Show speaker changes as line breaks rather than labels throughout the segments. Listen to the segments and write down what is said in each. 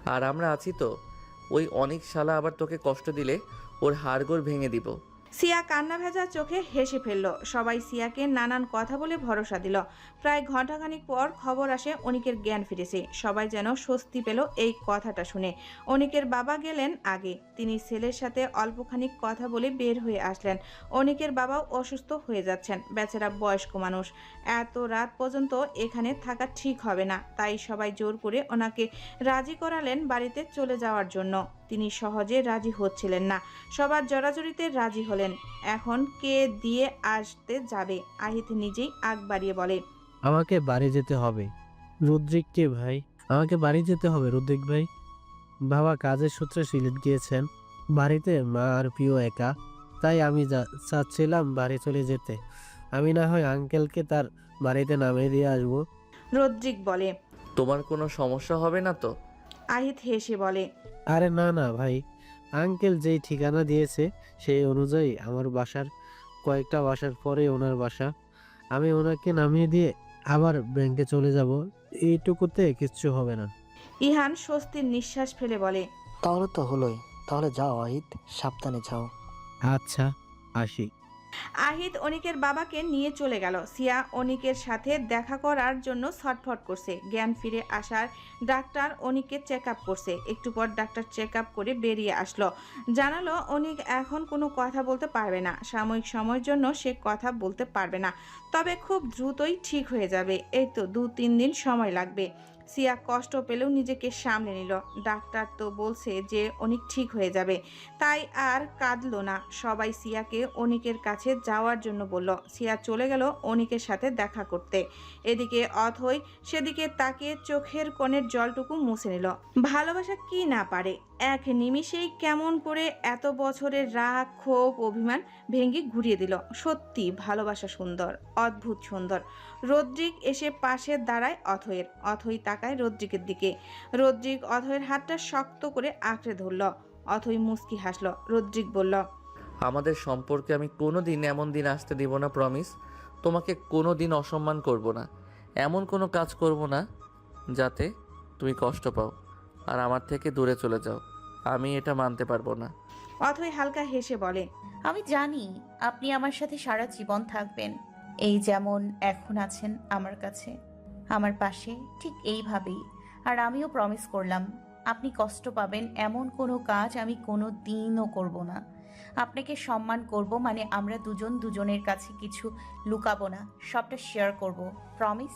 আর আমরা আছি তো। ওই অনেক শালা আবার তোকে কষ্ট দিলে ওর হাড়গোড় ভেঙে দিব।
সিয়া কান্না ভেজা চোখে হেসে ফেলল। সবাই সিয়াকে নানান কথা বলে ভরসা দিল। প্রায় ঘণ্টাখানিক পর খবর আসে অনিকের জ্ঞান ফিরেছে। সবাই যেন স্বস্তি পেল এই কথাটা শুনে। অনিকের বাবা গেলেন আগে। তিনি ছেলের সাথে অল্পখানিক কথা বলে বের হয়ে আসলেন। অনিকের বাবাও অসুস্থ হয়ে যাচ্ছেন। বেচারা বয়স্ক মানুষ, এত রাত পর্যন্ত এখানে থাকা ঠিক হবে না। তাই সবাই জোর করে ওনাকে রাজি করালেন বাড়িতে চলে যাওয়ার জন্য। তিনি সহজে রাজি হচ্ছিলেন না। সবার জড়াজড়িতে রাজি হলেন। এখন কে দিয়ে আসতে যাবে? আহিত নিজেই আগ বাড়িয়ে বলে,
আমাকে বাড়ি যেতে হবে। রুদ্রিক কে ভাই? আমাকে বাড়ি যেতে হবে রুদ্রিক ভাই। বাবা কাজের সূত্রে সিলেট গিয়েছেন। বাড়িতে মা আর প্রিয় একা। তাই আমি চাচ্ছিলাম বাড়ি চলে যেতে। আমি না হয় আঙ্কেলকে তার বাড়িতে নামিয়ে দিয়ে আসবো।
রদ্রিক বলে।
তোমার কোনো সমস্যা হবে না তো?
আহিত হেসে বলে,
আরে না না ভাই, আঙ্কেল যেই ঠিকানা দিয়েছে সেই অনুযায়ী আমার বাসার কয়েকটা বাসার পরে ওনার বাসা। আমি ওনাকে নামিয়ে দিয়ে আবার ব্যাংকে চলে যাব। এইটুকুতে কিচ্ছু হবে না।
ইহান স্বস্তির নিঃশ্বাস ফেলে বলে,
তাহলে তো হলোই। তাহলে যাও আহিত, সাবধানে যাও।
আচ্ছা, আসি।
আহিত অনিকের বাবাকে নিয়ে চলে গেল। সিয়া অনিকের সাথে দেখা করার জন্য ছটফট করছে। জ্ঞান ফিরে আসার ডাক্তার অনিককে চেক আপ করছে। একটু পর ডাক্তার চেক আপ করে বেরিয়ে আসলো। জানালো অনিক এখন কোনো কথা বলতে পারবে না। সাময়িক সময়ের জন্য সে কথা বলতে পারবে না, তবে খুব দ্রুতই ঠিক হয়ে যাবে। এই তো 2-3 দিন সময় লাগবে। সিয়া কষ্ট পেলেও নিজেকে সামলে নিল। ডাক্তার তো বলছে যে অনিক ঠিক হয়ে যাবে, তাই আর কাঁদলো না। সবাই সিয়াকে অনিকের কাছে যাওয়ার জন্য বলল। সিয়া চলে গেল অনিকের সাথে দেখা করতে। এদিকে অথই সেদিকে তাকিয়ে চোখের কোণের জলটুকু মুছে নিল। ভালোবাসা কি না পারে, এক নিমিষেই কেমন করে এত বছরের রাগ, ক্ষোভ, অভিমান ভেঙে ঘুরিয়ে দিল। সত্যি ভালোবাসা সুন্দর, অদ্ভুত সুন্দর। রদ্রিক এসে পাশে দাঁড়ায় অথয়ের। অথই তাকায় রদ্রিকের দিকে। রদ্রিক অথয়ের হাতটা শক্ত করে আঁকড়ে ধরল। অথই মুস্কি হাসল। রদ্রিক বলল,
আমাদের সম্পর্কে আমি কোনো দিন এমন দিন আসতে দিব না, প্রমিস। তোমাকে কোনো দিন অসম্মান করব না। এমন কোনো কাজ করব না যাতে তুমি কষ্ট পাও আর আমার থেকে দূরে চলে যাও। আমি এটা মানতে পারবো না।
অথই হালকা হেসে বলে,
আমি জানি আপনি আমার সাথে সারা জীবন থাকবেন, এই যেমন এখন আছেন আমার কাছে, আমার পাশে, ঠিক এইভাবেই। আর আমিও প্রমিস করলাম আপনি কষ্ট পাবেন এমন কোনো কাজ আমি কোনো দিনও করব না। আপনাকে সম্মান করব, মানে আমরা দুজন দুজনের কাছে কিছু লুকাবো না, সবটা শেয়ার করব। প্রমিস?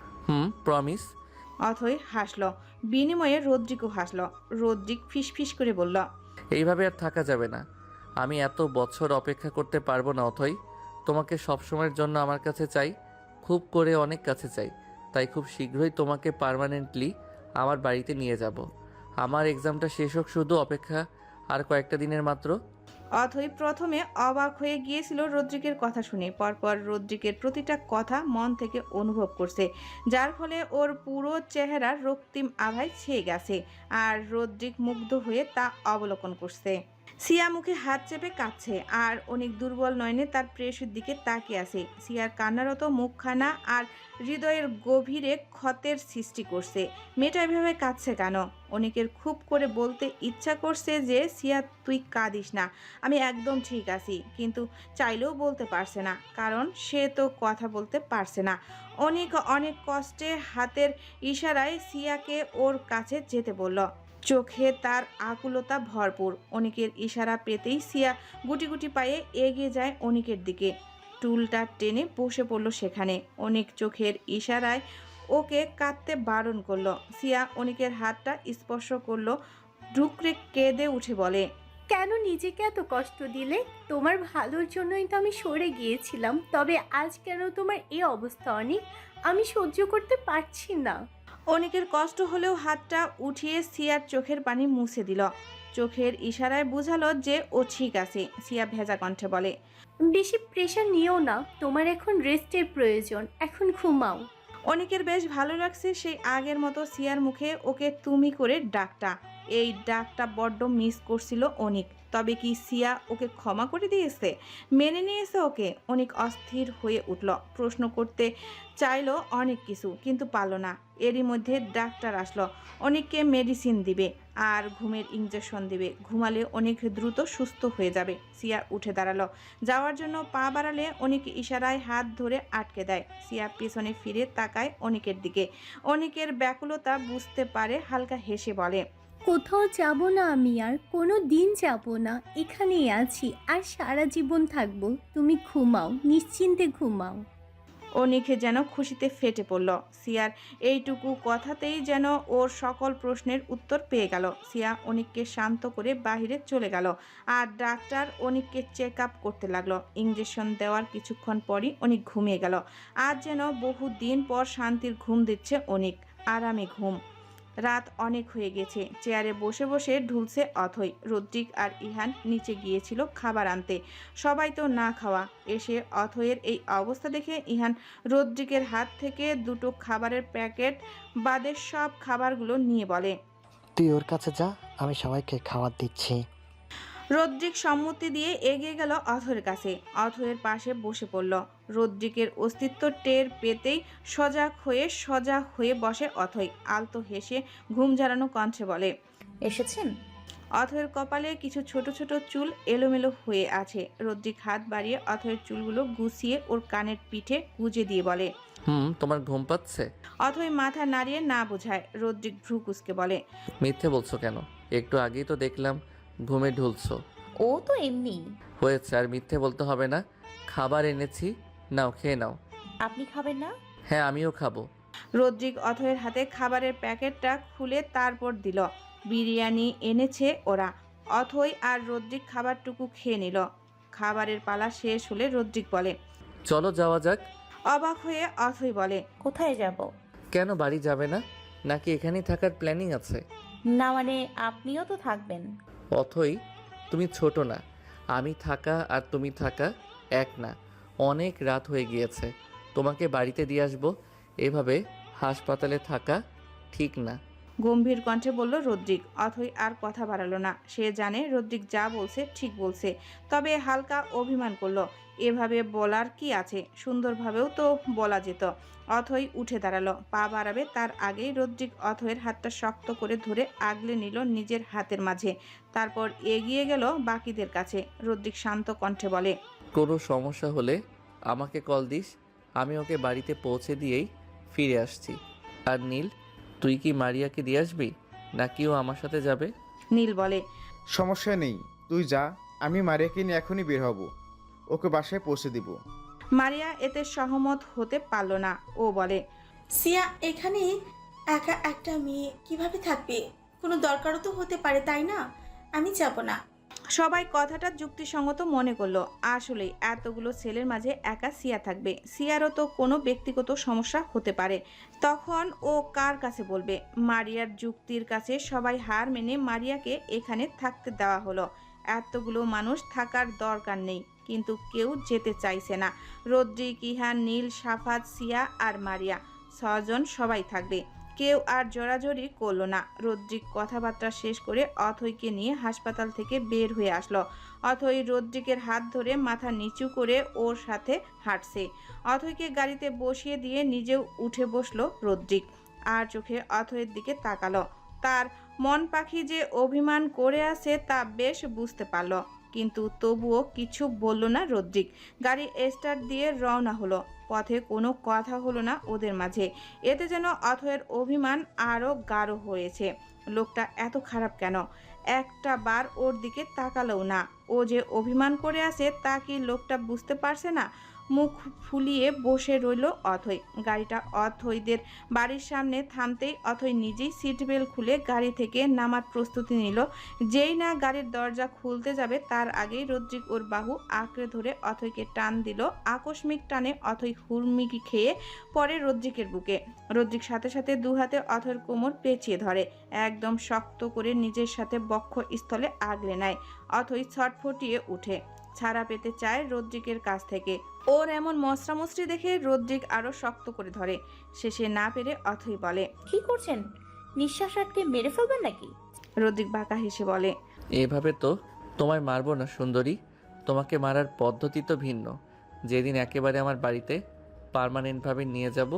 প্রমিস।
অথই হাসল। বিনিময়ে রদ্রিকও হাসল। রদ্রিক ফিসফিস করে বলল,
এইভাবে আর থাকা যাবে না। আমি এত বছর অপেক্ষা করতে পারবো না অথই। তোমাকে সবসময়ের জন্য আমার কাছে চাই, খুব করে অনেক কাছে চাই। তাই খুব শীঘ্রই তোমাকে পার্মানেন্টলি আমার বাড়িতে নিয়ে যাব। আমার এক্সামটা শেষ হোক, শুধু অপেক্ষা আর কয়েকটা দিনের মাত্র।
অথই প্রথমে অবাক হয়ে গিয়েছিল রদ্রিকের কথা শুনে। পরপর রদ্রিকের প্রতিটা কথা মন থেকে অনুভব করছে, যার ফলে ওর পুরো চেহারার রক্তিম আভায় ছেয়ে গেছে। আর রদ্রিক মুগ্ধ হয়ে তা অবলোকন করছে। সিয়া মুখে হাত চেপে কাঁদছে আর অনেক দুর্বল নয়নে তার প্রেয়সীর দিকে তাকিয়ে আছে। সিয়ার কান্নারত মুখখানা আর হৃদয়ের গভীরে ক্ষতের সৃষ্টি করছে। মেয়েটা এভাবে কাঁদছে কেন? অনেকের খুব করে বলতে ইচ্ছা করছে যে, সিয়া তুই কাঁদিস না, আমি একদম ঠিক আছি, কিন্তু চাইলেও বলতে পারছে না, কারণ সে তো কথা বলতে পারছে না। অনেক অনেক কষ্টে হাতের ইশারায় সিয়াকে ওর কাছে যেতে বলল। চোখে তার আকুলতা ভরপুর। অনিকের ইশারা পেতেই সিয়া গুটি গুটি পায়ে এগিয়ে যায় অনিকের দিকে। টুলটা টেনে বসে পড়ল সেখানে। অনিক চোখের ইশারায় ওকে কাঁদতে বারণ করলো। সিয়া অনিকের হাতটা স্পর্শ করলো। ঢুকরে কেঁদে উঠে বলে,
কেন নিজেকে এত কষ্ট দিলে? তোমার ভালোর জন্যই তো আমি সরে গিয়েছিলাম, তবে আজ কেন তোমার এই অবস্থা অনিক? আমি সহ্য করতে পারছি না।
অনিকের কষ্ট হলেও হাতটা উঠিয়ে সিয়ার চোখের পানি মুছে দিল। চোখের ইশারায় বুঝালো যে ও ঠিক আছে। সিয়া ভেজা কণ্ঠে বলে,
বেশি প্রেশার নিও না, তোমার এখন রেস্টের প্রয়োজন, এখন ঘুমাও।
অনিকের বেশ ভালো লাগছে সেই আগের মতো সিয়ার মুখে ওকে তুমি করে ডাকটা। এই ডাকটা বড্ড মিস করছিল অনিক। তবে কি সিয়া ওকে ক্ষমা করে দিয়েছে, মেনে নিয়েছে ওকে? অনিক অস্থির হয়ে উঠল, প্রশ্ন করতে চাইলো অনেক কিছু, কিন্তু পারল না। এরই মধ্যে ডাক্তার আসলো, অনিককে মেডিসিন দিবে আর ঘুমের ইঞ্জেকশন দিবে। ঘুমালে অনেক দ্রুত সুস্থ হয়ে যাবে। সিয়া উঠে দাঁড়ালো, যাওয়ার জন্য পা বাড়ালে অনিক ইশারায় হাত ধরে আটকে দেয়। সিয়া পেছনে ফিরে তাকায় অনিকের দিকে, অনিকের ব্যাকুলতা বুঝতে পারে, হালকা হেসে বলে,
কোথাও যাব না আমি, আর কোনো দিন যাব না, এখানেই আছি আর সারা জীবন থাকবো। তুমি ঘুমাও, নিশ্চিন্তে ঘুমাও।
অনিক যেন খুশিতে ফেটে পড়ল। সিয়ার এইটুকু কথাতেই যেন ওর সকল প্রশ্নের উত্তর পেয়ে গেল। সিয়া অনিককে শান্ত করে বাহিরে চলে গেল, আর ডাক্তার অনিককে চেক আপ করতে লাগলো। ইঞ্জেকশন দেওয়ার কিছুক্ষণ পরই অনিক ঘুমিয়ে গেল। আজ যেন বহু দিন পর শান্তির ঘুম দিচ্ছে অনিক, আরামে ঘুম। রাত অনেক হয়ে গেছে। চেয়ারে বসে বসে ঢুলছে অথই। রদ্রিক আর ইহান নিচে গিয়েছিল খাবার আনতে। সবাই তো না খাওয়া। এসে অথয়ের এই অবস্থা দেখে ইহান রদ্রিকের হাত থেকে দুটো খাবারের প্যাকেট বাদে সব খাবারগুলো নিয়ে বলে,
তুই ওর কাছে যা, আমি সবাইকে খাবার দিচ্ছি।
রদ্রিক সম্মতি দিয়ে এগিয়ে গেল অথয়ের কাছে। অথয়ের পাশে বসে পড়ল। রদ্রিকের অস্তিত্ব টের পেতেই সজাগ হয়ে বসে অথই। আলতো হেসে ঘুম ঝাড়ানো কণ্ঠে বলে,
এসেছেন?
অথয়ের কপালে কিছু ছোট ছোট চুল এলোমেলো হয়ে আছে। রদ্রিক হাত বাড়িয়ে অথয়ের চুলগুলো গুছিয়ে ওর কানের পিঠে গুজে দিয়ে বলে,
তোমার ঘুম পাচ্ছে?
অথই মাথা নাড়িয়ে না বোঝায়। রদ্রিক ভ্রু কুঁচকে বলে,
মিথ্যে বলছো কেন? একটু আগেই তো দেখলাম ঘুমে ঢুলছো।
ও তো এমনি।
হয়েছে, আর মিথ্যে বলতে হবে না। খাবার এনেছি, নাও খেয়ে নাও।
আপনি খাবেন না?
হ্যাঁ, আমিও খাবো।
রদ্রিক অথয়ের হাতে খাবারের প্যাকেটটা খুলে তারপর দিল। বিরিয়ানি এনেছে ওরা। অথই আর রদ্রিক খাবারটুকু খেয়ে নিল। খাবারের পালা শেষ হলে রদ্রিক বলে,
চলো যাওয়া যাক।
অবাক হয়ে অথই বলে,
কোথায় যাব?
কেন, বাড়ি যাবে না নাকি এখানেই থাকার প্ল্যানিং আছে?
না মানে আপনিও তো থাকবেন।
অথই, তুমি ছোট না। আমি থাকা আর তুমি থাকা এক না। অনেক রাত হয়ে গিয়েছে, তোমাকে বাড়িতে দিয়ে আসবো। এভাবে হাসপাতালে থাকা ঠিক না।
গম্ভীর কণ্ঠে বলল রদ্রিক। অথই আর কথা বাড়ালো না। সে জানে রদ্রিক যা বলছে ঠিক বলছে, তবে হালকা অভিমান করলো। এভাবে বলার কি আছে, সুন্দরভাবেও তো বলা যেত। অথই উঠে দাঁড়ালো, পা বাড়াবে তার আগেই রদ্রিক অথয়ের হাতটা শক্ত করে ধরে আগলে নিল নিজের হাতের মাঝে। তারপর এগিয়ে গেল বাকিদের কাছে। রদ্রিক শান্ত কণ্ঠে বলে,
কোনো সমস্যা হলে আমাকে কল দিস, আমি ওকে বাড়িতে পৌঁছে দিয়েই ফিরে আসছি। আর নীল, তুই কি মারিয়াকে দিয়ে আসবি নাকি ও আমার সাথে যাবে?
নীল বলে,
সমস্যা নেই, তুই যা, আমি মারিয়াকে নিয়ে এখনই বের হব, ওকে বাসায় পৌঁছে দিব।
মারিয়া এতে সহমত হতে পারল না। ও বলে,
সিয়া এখানে একা একটা মেয়ে কিভাবে থাকবে? কোনো দরকারও তো হতে পারে, তাই না? আমি যাব না।
সবাই কথাটা যুক্তিসঙ্গত মনে করলো। আসলেই এতগুলো ছেলের মাঝে একা সিয়া থাকবে, সিয়ারও তো কোনো ব্যক্তিগত সমস্যা হতে পারে। তখন ও কার কাছে বলবে? মারিয়ার যুক্তির কাছে সবাই হার মেনে মারিয়াকে এখানে থাকতে দেওয়া হলো। এতগুলো মানুষ থাকার দরকার নেই, কিন্তু কেউ যেতে চাইছে না। রদ্রিক, ইহান, নীল, সাফাত, সিয়া আর মারিয়া, 6 জন সবাই থাকবে। কেউ আর জোরাজোরি করলো না। রদ্রিক কথাবার্তা শেষ করে অথইকে নিয়ে হাসপাতাল থেকে বের হয়ে আসলো। অথই রদ্রিকের হাত ধরে মাথা নিচু করে ওর সাথে হাঁটছে। অথইকে গাড়িতে বসিয়ে দিয়ে নিজেও উঠে বসলো রদ্রিক, আর চোখে অথইয়ের দিকে তাকালো। তার মন পাখি যে অভিমান করে আছে তা বেশ বুঝতে পারল, কিন্তু তবুও কিছু বলল না রদ্রিক। গাড়ি স্টার্ট দিয়ে রওনা হলো। পথে কোনো কথা হলো না ওদের মাঝে। এতে যেন অথয়ের অভিমান আরও গাঢ় হয়েছে। লোকটা এত খারাপ কেন? একটা বার ওর দিকে তাকালোও না। ও যে অভিমান করে আছে তা কি লোকটা বুঝতে পারছে না? মুখ ফুলিয়ে বসে রইল অথই। গাড়িটা অথইদের বাড়ির সামনে থামতেই অথই নিজেই সিট বেল্ট খুলে গাড়ি থেকে নামার প্রস্তুতি নিল। যেই না গাড়ির দরজা খুলতে যাবে তার আগেই রদ্রিক ওর বাহু আঁকড়ে ধরে অথইকে টান দিল। আকস্মিক টানে অথই হুড়মিকি খেয়ে পড়ে রদ্রিকের বুকে। রদ্রিক সাথে সাথে দু হাতে অথইর কোমর পেঁচিয়ে ধরে, একদম শক্ত করে নিজের সাথে বক্ষ স্থলে আগলে নেয়। অথই ছটফটিয়ে উঠে, ছাড়া পেতে চায় রদ্রিকের কাছ থেকে। ওর এমন মশরামশরি দেখে রদ্রিক আরো শক্ত করে ধরে। শেষে না পেরে অথই বলে,
কি করছেন? নিঃশ্বাস রাখতে মেরে ফেলবেন নাকি?
রদ্রিক বাঁকা হেসে বলে।
এভাবে তো তোমায় মারবো না সুন্দরী, তোমাকে মারার পদ্ধতি তো ভিন্ন। যেদিন একেবারে আমার বাড়িতে পার্মানেন্টভাবে নিয়ে যাব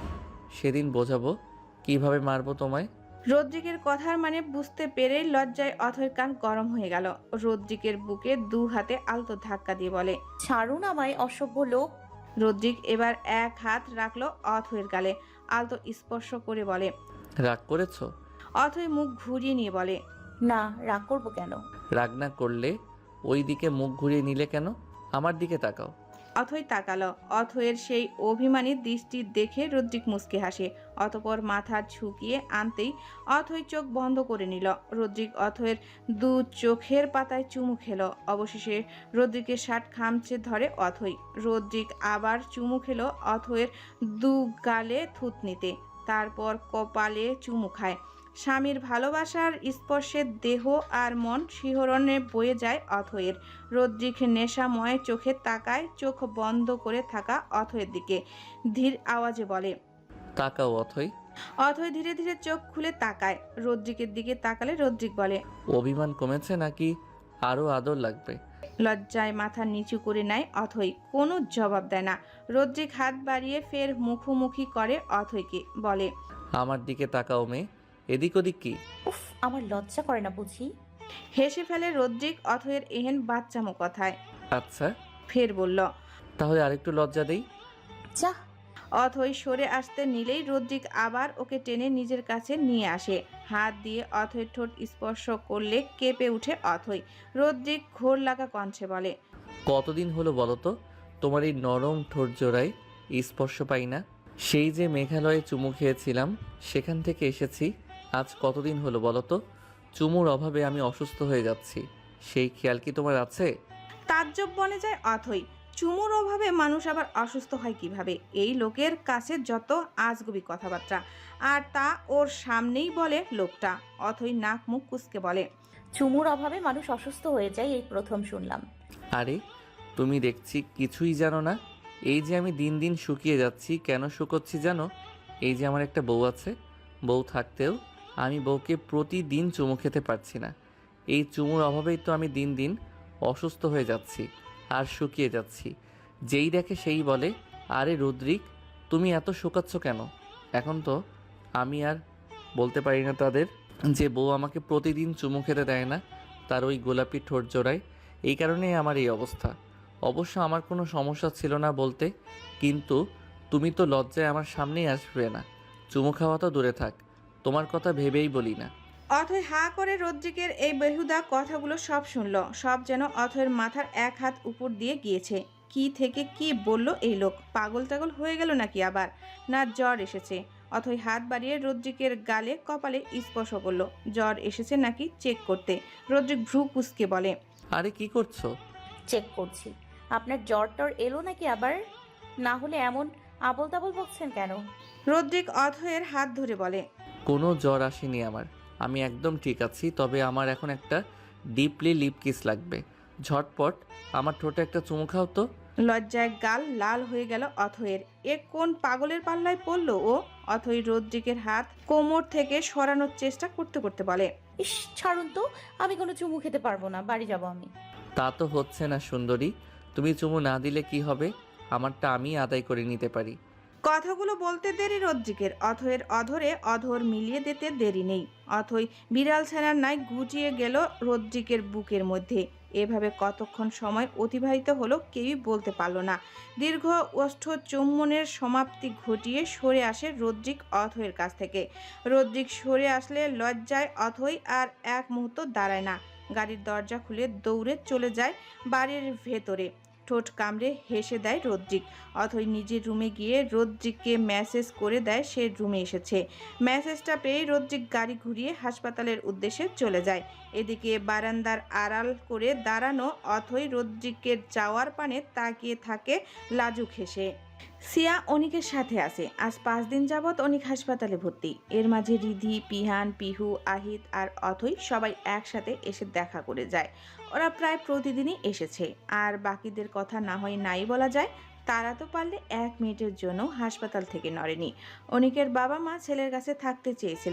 সেদিন বোঝাবো কিভাবে মারবো তোমায়।
রদ্রিকের কথার মানে বুঝতে পেরে লজ্জায় অথয়ের কান গরম হয়ে গেল। রদ্রিকের বুকে 2 হাতে আলতো ধাক্কা দিয়ে বলে,
ছাড়ুন আমায় অসভ্য লোক।
রদ্রিক এবার 1 হাত রাখলো অথয়ের গালে, আলতো স্পর্শ করে বলে।
রাগ করেছো?
অথয় মুখ ঘুরিয়ে নিয়ে বলে,
না, রাগ করবো কেন?
রাগ না করলে ওই দিকে মুখ ঘুরিয়ে নিলে কেন? আমার দিকে তাকাও।
অথয় তাকালো। অথয়ের সেই অভিমানী দৃষ্টি দেখে রদ্রিক মুচকি হাসে। অতঃপর মাথা ঝুঁকিয়ে আনতেই অথয় চোখ বন্ধ করে নিল। রদ্রিক অথয়ের 2 চোখের পাতায় চুমু খেলো। অবশেষে রদ্রিকের শার্ট খামচে ধরে অথয়। রদ্রিক আবার চুমু খেলো অথয়ের 2 গালে থুতনিতে, তারপর কপালে চুমু খায়। স্বামীর ভালোবাসার স্পর্শে দেহ আর মন শিহরণে বয়ে যায় অথয়ের। রদ্রিক নেশাময় চোখে তাকায় চোখ বন্ধ করে থাকা অথয়ের দিকে, ধীর আওয়াজে বলে,
তাকাও অথই।
অথয় ধীরে ধীরে চোখ খুলে তাকায়। রদ্রিকের দিকে তাকালে রদ্রিক বলে,
অভিমান কমেছে নাকি আরো আদর লাগবে?
লজ্জায় মাথা নিচু করে নেয় অথই, কোনো জবাব দেয় না। রদ্রিক হাত বাড়িয়ে ফের মুখোমুখি করে অথয়কে, বলে,
আমার দিকে তাকাও মেয়ে, এদিক ওদিক কি?
উফ, আমার লজ্জা করে না বুঝি?
হেসে ফেলে রদ্রিক অথয়ের এহেন বাচ্চামো কথায়।
আচ্ছা
ফের বলল,
তাহলে আরেকটু লজ্জা দেই।
যা।
অথই সরে আসতে নিলেই রদ্রিক আবার ওকে টেনে নিজের কাছে নিয়ে আসে। হাত দিয়ে অথয়ের ঠোঁট স্পর্শ করলে কেঁপে উঠে অথই। রদ্রিক ঘোর লাগা কণ্ঠে বলে,
কতদিন হলো বলো তো তোমার এই নরম ঠোঁট জোড়ায় স্পর্শ পাই না? সেই যে মেঘালয়ে চুমু খেয়েছিলাম সেখান থেকে এসেছি। আজ কতদিন হলো বলো তো? চুমুর অভাবে আমি অসুস্থ হয়ে যাচ্ছি, সেই খেয়াল কি তোমার আছে?
তাজ্জব বনে যায় অথই। চুমুর অভাবে মানুষ আবার অসুস্থ হয় কিভাবে? এই লোকের কাছে যত আজগুবি কথাবার্তা, আর তা ওর সামনেই বলে লোকটা। অথই নাক মুখ কুঁচকে বলে,
চুমুর অভাবে মানুষ অসুস্থ হয়ে যায় এই প্রথম শুনলাম।
আরে তুমি দেখছি কিছুই জানো না। এই যে আমি দিন দিন শুকিয়ে যাচ্ছি, কেন শুকোচ্ছি জানো? এই যে আমার একটা বউ আছে, বউ থাকতেও আমি বউকে প্রতিদিন চুমু খেতে পারছি না। এই চুমুর অভাবেই তো আমি দিন দিন অসুস্থ হয়ে যাচ্ছি আর শুকিয়ে যাচ্ছি। যেই দেখে সেই বলে, আরে রুদ্রিক তুমি এত শুকাচ্ছ কেন? এখন তো আমি আর বলতে পারি না তাদের যে বউ আমাকে প্রতিদিন চুমু খেতে দেয় না তার ওই গোলাপি ঠোঁট জোড়ায়। এই কারণেই আমার এই অবস্থা। অবশ্য আমার কোনো সমস্যা ছিল না বলতে, কিন্তু তুমি তো লজ্জায় আমার সামনেই আসবে না। চুমু খাওয়া তো দূরে থাক, তোমার কথা ভেবেই বলি না।
অথয় হা করে রদ্রিকের এই বেহুদা কথাগুলো সব শুনল। সব যেন অথয়ের মাথার 1 হাত উপর দিয়ে গিয়েছে। কি থেকে কি বলল এই লোক? পাগল টাগল হয়ে গেল নাকি আবার? না জ্বর এসেছে? অথয় হাত বাড়িয়ে রদ্রিকের গালে কপালে স্পর্শ করলো। জ্বর এসেছে নাকি চেক করতে। রদ্রিক ভ্রু কুঁচকে বলে,
আরে কি করছো?
চেক করছি। আপনার জ্বর টর এলো নাকি আবার? না হলে এমন আবল তাবল বকছেন কেন?
রদ্রিক অথয়ের হাত ধরে বলে,
কোনো জ্বর আসেনি আমার, আমি একদম ঠিক আছি। তবে আমার এখন একটা ডিপলি লিপ কিস লাগবে। ঝটপট আমার ঠোঁটে একটা চুমু খাও তো।
লজ্জায় গাল লাল হয়ে গেল অথয়ের। এ কোন পাগলের পাল্লায় পড়ল ও? অথই রদ্রিকের হাত কোমর থেকে সরানোর চেষ্টা করতে করতে বলে,
ইস, ছাড়ুন তো, আমি কোনো চুমু খেতে পারবো না, বাড়ি যাব আমি।
তা তো হচ্ছে না সুন্দরী, তুমি চুমু না দিলে কি হবে? আমারটা আমি আদায় করে নিতে পারি।
কথাগুলো বলতে দেরি রদ্রিকের। অথয়ের অধরে অধর মিলিয়ে দিতে দেরি নেই। অথই বিড়াল ছানার ন্যায় গুটিয়ে গেল রদ্রিকের বুকের মধ্যে। এভাবে কতক্ষণ সময় অতিবাহিত হলো কেউই বলতে পারল না। দীর্ঘ ওষ্ঠ চুম্বনের সমাপ্তি ঘটিয়ে সরে আসে রদ্রিক অথয়ের কাছ থেকে। রদ্রিক সরে আসলে লজ্জায় অথই আর এক মুহূর্ত দাঁড়ায় না। গাড়ির দরজা খুলে দৌড়ে চলে যায় বাড়ির ভেতরে। ঠোঁট কামড়ে হেসে দেয় রদ্রিক। অথই নিজের রুমে গিয়ে রদ্রিককে মেসেজ করে দেয় সে রুমে এসেছে। মেসেজটা পেয়ে রদ্রিক গাড়ি ঘুরিয়ে হাসপাতালের উদ্দেশ্যে চলে যায়। এদিকে বারান্দার আড়াল করে দাঁড়ানো অথই রদ্রিকের যাওয়ার পানে তাকিয়ে থাকে লাজুক হেসে। সিয়া অনিকের সাথে আছে। আজ 5 দিন যাবৎ অনিক হাসপাতালে ভর্তি। এর মাঝে রিধি, পিহান, পিহু, আহিত আর অথই সবাই একসাথে এসে দেখা করে যায়। ওরা প্রায় প্রতিদিনই এসেছে। আর বাকিদের কথা না হয় নাই বলা যায়, তারা তো পারলে 1 মিনিটের জন্য হাসপাতাল থেকে নড়েনি। অনিকের বাবা মা ছেলের কাছে থাকতে চেয়েছিলেন,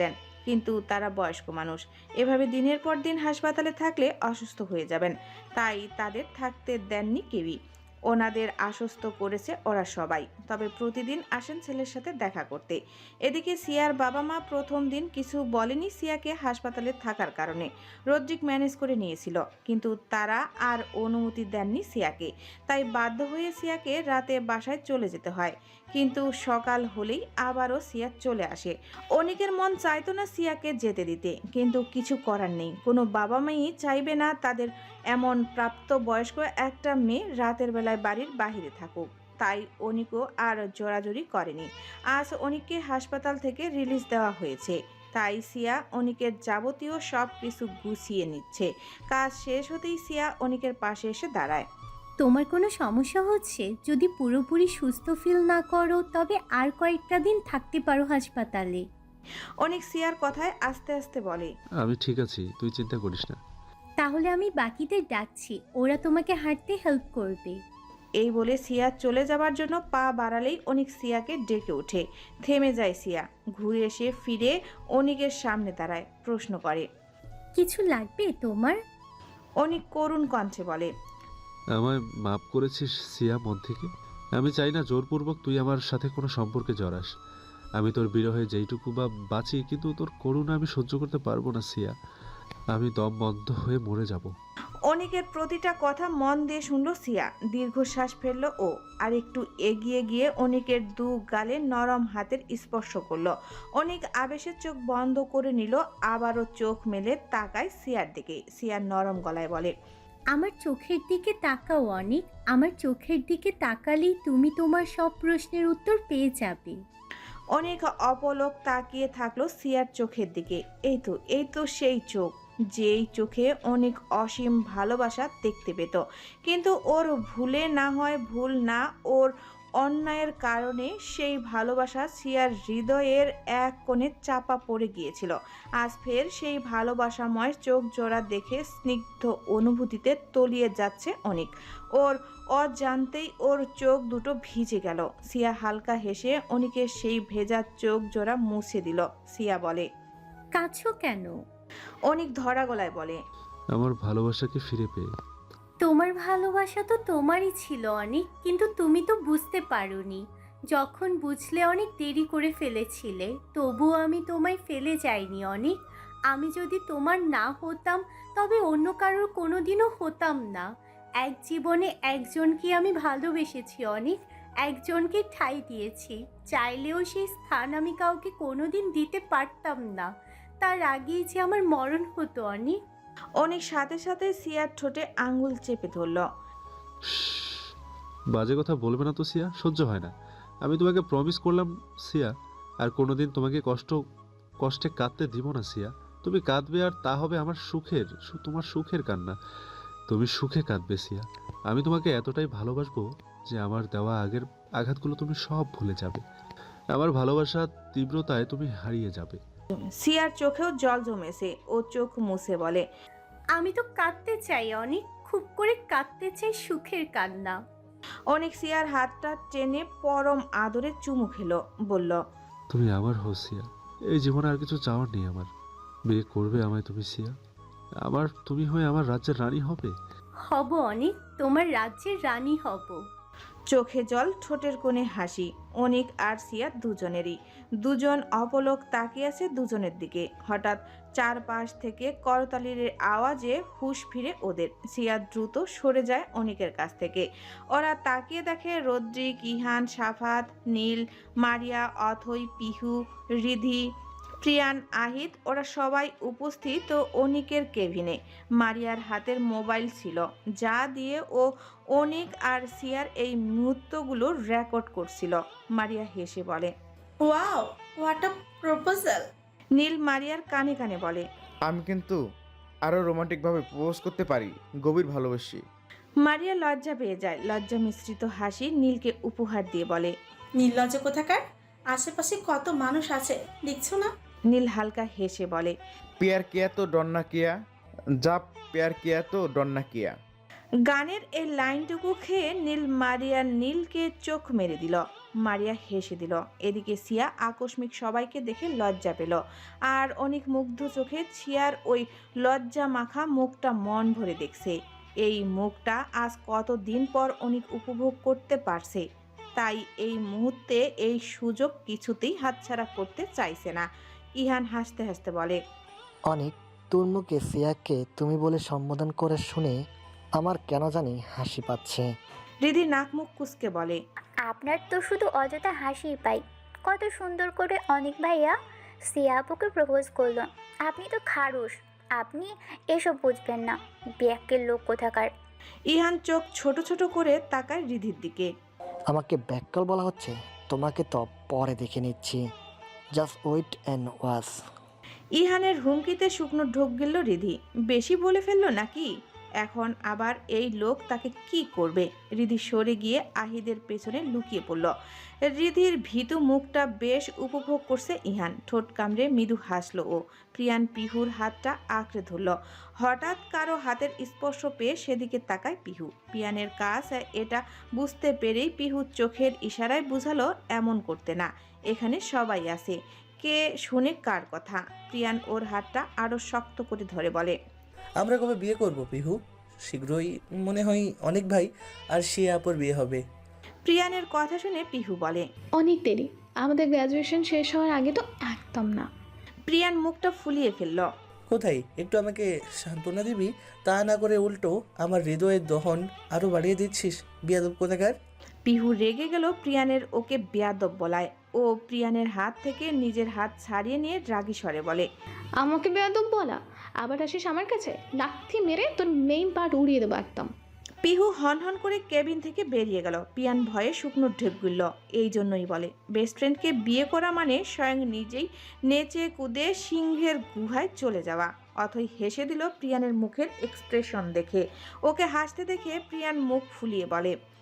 কিন্তু তারা বয়স্ক মানুষ, এভাবে দিনের পর দিন হাসপাতালে থাকলে অসুস্থ হয়ে যাবেন। তাই তাদের থাকতে দেননি কেউই। ওনাদের আশ্বস্ত করেছে ওরা সবাই, তবে প্রতিদিন আসেন ছেলের সাথে দেখা করতে। এদিকে সিয়ার বাবা মা প্রথম দিন কিছু বলেনি সিয়াকে হাসপাতালে থাকার কারণে। রদ্রিক ম্যানেজ করে নিয়েছিল, কিন্তু তারা আর অনুমতি দেননি সিয়াকে। তাই বাধ্য হয়ে সিয়াকে রাতে বাসায় চলে যেতে হয়। কিন্তু সকাল হলেই আবারও সিয়া চলে আসে। অনিকের মন চাইতো না সিয়াকে যেতে দিতে, কিন্তু কিছু করার নেই। কোনো বাবা মাই চাইবে না তাদের এমন প্রাপ্তবয়স্ক একটা মেয়ে রাতের বেলায় বাড়ির বাহিরে থাকুক। তাই অনিকও আর জোরাজুরি করেনি। আজ অনিককে হাসপাতাল থেকে রিলিজ দেওয়া হয়েছে, তাই সিয়া অনিকের যাবতীয় সব কিছু গুছিয়ে নিচ্ছে। কাজ শেষ হতেই সিয়া অনিকের পাশে এসে দাঁড়ায়।
তোমার কোনো সমস্যা হচ্ছে? যদি পুরোপুরি সুস্থ ফিল না করো তবে আর কয়েকটা দিন থাকতে পারো হাসপাতালে।
অনিক সিয়ার কথায় আস্তে আস্তে বলে,
আমি ঠিক আছি, তুই চিন্তা করিস না।
তাহলে আমি বাকিদের ডাকছি, ওরা তোমাকে হাঁটতে হেল্প করবে।
এই বলে সিয়া চলে যাবার জন্য পা বাড়ালেই অনিক সিয়াকে ডেকে ওঠে। থেমে যায় সিয়া, ঘুরে এসে ফিরে অনিকের সামনে দাঁড়ায়, প্রশ্ন করে,
কিছু লাগবে তোমার?
অনিক করুণ কণ্ঠে বলে,
আমায় মাফ করেছিস সিয়া মন থেকে? আমি চাই না জোরপূর্বক তুই আমার সাথে কোনো সম্পর্কে জড়াস। আমি তোর বিরহে যেইটুকু বা বাঁচি, কিন্তু তোর করুণা আমি সহ্য করতে পারবো না সিয়া। আমি দম বন্ধ হয়ে মরে যাব।
অনিকের প্রতিটা কথা মন দিয়ে শুনল সিয়া। দীর্ঘশ্বাস ফেলল ও, আর একটু এগিয়ে গিয়ে অনিকের দু গালে নরম হাতের স্পর্শ করলো। অনিক আবেশের চোখ বন্ধ করে নিল, আবারও চোখ মেলে তাকায় সিয়ার দিকে। সিয়া নরম গলায় বলে,
আমার চোখের দিকে তাকাও অনিক, আমার চোখের দিকে তাকালেই তুমি তোমার সব প্রশ্নের উত্তর পেয়ে যাবে।
অনেক অপলক তাকিয়ে থাকলো সিয়ার চোখের দিকে। এই তো সেই চোখ, যেই চোখে অনেক অসীম ভালোবাসা দেখতে পেত। কিন্তু ওর ভুলে না হয় ভুল না, ওর অন্যায়ের কারণে সেই ভালোবাসা সিয়ার হৃদয়ের এক কোণে চাপা পড়ে গিয়েছিল। আজ ফের সেই ভালোবাসাময় চোখ জোড়া দেখে স্নিগ্ধ অনুভূতিতে তলিয়ে যাচ্ছে অনেক। ওর অজান্তেই ওর চোখ দুটো ভিজে গেল। সিয়া হালকা হেসে অনিকের সেই ভেজা চোখ জোড়া মুছে দিল। সিয়া বলে,
কাছো কেন?
অনিক ধরা গলায় বলে,
আমার ভালোবাসাকে ফিরে পেয়ে।
তোমার ভালোবাসা তো তোমারই ছিল অনেক, কিন্তু তুমি তো বুঝতে পারোনি। যখন বুঝলে অনেক দেরি করে ফেলেছিলে, তবুও আমি তোমায় ফেলে যাইনি অনেক। আমি যদি তোমার না হতাম তবে অন্য কারোর কোনোদিনও হতাম না। এক জীবনে একজনকে আমি ভালোবেসেছি অনেক, একজনকে ঠাঁই দিয়েছি। চাইলেও সেই স্থান আমি কাউকে কোনোদিন দিতে পারতাম না। তার আগেই যে আমার মরণ হতো অনেক।
অনেক সাথে সাথে সিয়ার ঠোঁটে আঙ্গুল চেপে ধরল।
বাজে কথা বলবে না তো সিয়া, সহ্য হয় না। আমি তোমাকে প্রমিস করলাম সিয়া, আর কোনোদিন তোমাকে কষ্টে কাঁদতে দিব না সিয়া। তুমি কাঁদবে আর তা হবে আমার সুখের, তোমার সুখের কান্না। তুমি সুখে কাঁদবে সিয়া। আমি তোমাকে এতটাই ভালোবাসবো যে আমার দেওয়া আগের আঘাতগুলো তুমি সব ভুলে যাবে। আমার ভালোবাসার তীব্রতায় তুমি হারিয়ে যাবে।
সিয়ার চোখেও জল জমেছে। ও চোখ মুছে বলে,
আমি তো কাঁদতে চাই অনেক, খুব করে কাঁদতে চাই সুখের কান্না।
অনেক সিয়ার হাতটা টেনে পরম আদরে চুমু খেলো, বলল,
তুমি আমার হো সিয়া। এই জীবনে আর কিছু চাওয়ার নেই আমার। বিয়ে করবে আমায় তুমি সিয়া? তুমি হয়ে আমার রাজ্যের রানী হবে।
হব অনেক, তোমার রাজ্যের রানী হব।
চোখে জল, ঠোঁটের কোণে হাসি। অনিক আর সিয়া দুজনেরই। দুজন অপলক তাকিয়ে আছে দুজনের দিকে। হঠাৎ চারপাশ থেকে করতালির আওয়াজে হুঁশ ফিরে ওদের। সিয়া দ্রুত সরে যায় অনিকের কাছ থেকে। ওরা তাকিয়ে দেখে রদ্রিক, ইহান, সাফাত, নীল, মারিয়া, অথই, পিহু, রিধি, প্রিয়ান, আহিত, ওরা সবাই উপস্থিত ও অনিকের কেবিনে। মারিয়ার হাতের মোবাইল ছিল, যা দিয়ে ও অনিক আর সিয়ার এই মুহূর্তগুলো রেকর্ড করছিল। মারিয়া হেসে বলে,
wow, what a proposal.
Neel মারিয়ার কানে কানে বলে,
আমি কিন্তু আরও রোমান্টিকভাবে প্রপোজ করতে পারি, গভীর ভালোবাসি।
মারিয়া লজ্জা পেয়ে যায়। লজ্জা মিশ্রিত হাসি নীলকে উপহার দিয়ে বলে,
নির্লজ্জ কোথাকার, আশেপাশে কত মানুষ আছে দেখছো না?
নীল হালকা হেসে বলে,
পেয়ার কিয়া তো ডন্না কিয়া, যা পেয়ার কিয়া তো ডন্না কিয়া।
গানের এই লাইনটুকু খেয়ে নীলকে চোখ মেরে দিল। মারিয়া হেসে দিল। এদিকে সিয়া আকস্মিক সবাইকে দেখে লজ্জা পেল, আর অনেক মুগ্ধ চোখে সিয়ার ওই লজ্জা মাখা মুখটা মন ভরে দেখছে। এই মুখটা আজ কতদিন পর অনেক উপভোগ করতে পারছে, তাই এই মুহূর্তে এই সুযোগ কিছুতেই হাতছাড়া করতে চাইছে না। ইহান হাসতে হাসতে বলে,
অনেক, তোর মুখে সিয়াকে তুমি বলে সম্বোধন করে শুনে আমার কেন জানি হাসি পাচ্ছে।
রিধি নাক মুখ কুঁচকে বলে,
আপনার তো শুধু অযথা হাসিই পাই। কত সুন্দর করে অনেক ভাইয়া সিয়া আপুকে প্রপোজ করলো। আপনি তো খারুস, আপনি এসব বুঝবেন না, ব্যাকের লোক কোথাকার।
ইহান চোখ ছোট ছোট করে তাকায় রিধির দিকে।
আমাকে ব্যাককল বলা হচ্ছে? তোমাকে তো পরে দেখে নিচ্ছি, জাস্ট ওয়েট অ্যান্ড ওয়াচ।
ইহানের হুমকিতে শুকনো ঢোক গেল রিধি। বেশি বলে ফেললো নাকি? এখন আবার এই লোক তাকে কি করবে? রিধি সরে গিয়ে আহিদের পেছনে লুকিয়ে পড়ল। রিধির ভীতু মুখটা বেশ উপভোগ করছে ইহান। ঠোঁট কামড়ে মৃদু হাসলো ও। প্রিয়ান পিহুর হাতটা আঁকড়ে ধরল। হঠাৎ কারো হাতের স্পর্শ পেয়ে সেদিকে তাকায় পিহু। প্রিয়ানের কাজ এটা বুঝতে পেরেই পিহু চোখের ইশারায় বুঝালো এমন করতে না, এখানে সবাই আছে, কে শুনে কার কথা। প্রিয়ান ওর হাতটা আরো শক্ত করে ধরে বলে,
আমরা কবে বিয়ে করব পিহু? শীঘ্রই মনে হয় অনেক ভাই আর সে আপুর বিয়ে হবে।
প্রিয়ানের কথা শুনে পিহু বলে,
অনেক দেরি, আমাদের গ্র্যাজুয়েশন শেষ হওয়ার আগে তো একদম না।
প্রিয়ান মুখটা ফুলিয়ে ফেলল।
কোথায় একটু আমাকে সান্ত্বনা দিবি, তা না করে উল্টো আমার হৃদয়ের দহন আরো বাড়িয়ে দিচ্ছিস, বিয়াদব কোথাকার।
পিহু রেগে গেল প্রিয়ানের ওকে বেয়াদব বলায়। ও প্রিয়ানের হাত থেকে নিজের হাত ছাড়িয়ে নিয়ে রাগী স্বরে বলে,
আমাকে বেয়াদব বলা? আবার আসিস আমার কাছে, লাথি মেরে তোর মেইন পার্ট উড়িয়ে দেবো একদম।
পিহু হনহন করে কেবিন থেকে বেরিয়ে গেল। প্রিয়ান ভয়ে শুকনো ঢেপ গিলল। এই জন্যই বলে, বেস্ট ফ্রেন্ডকে বিয়ে করা মানে স্বয়ং নিজেই নেচে কুদে সিংহের গুহায় চলে যাওয়া। অথই হেসে দিল প্রিয়ানের মুখের এক্সপ্রেশন দেখে। ওকে হাসতে দেখে প্রিয়ান মুখ ফুলিয়ে বলে,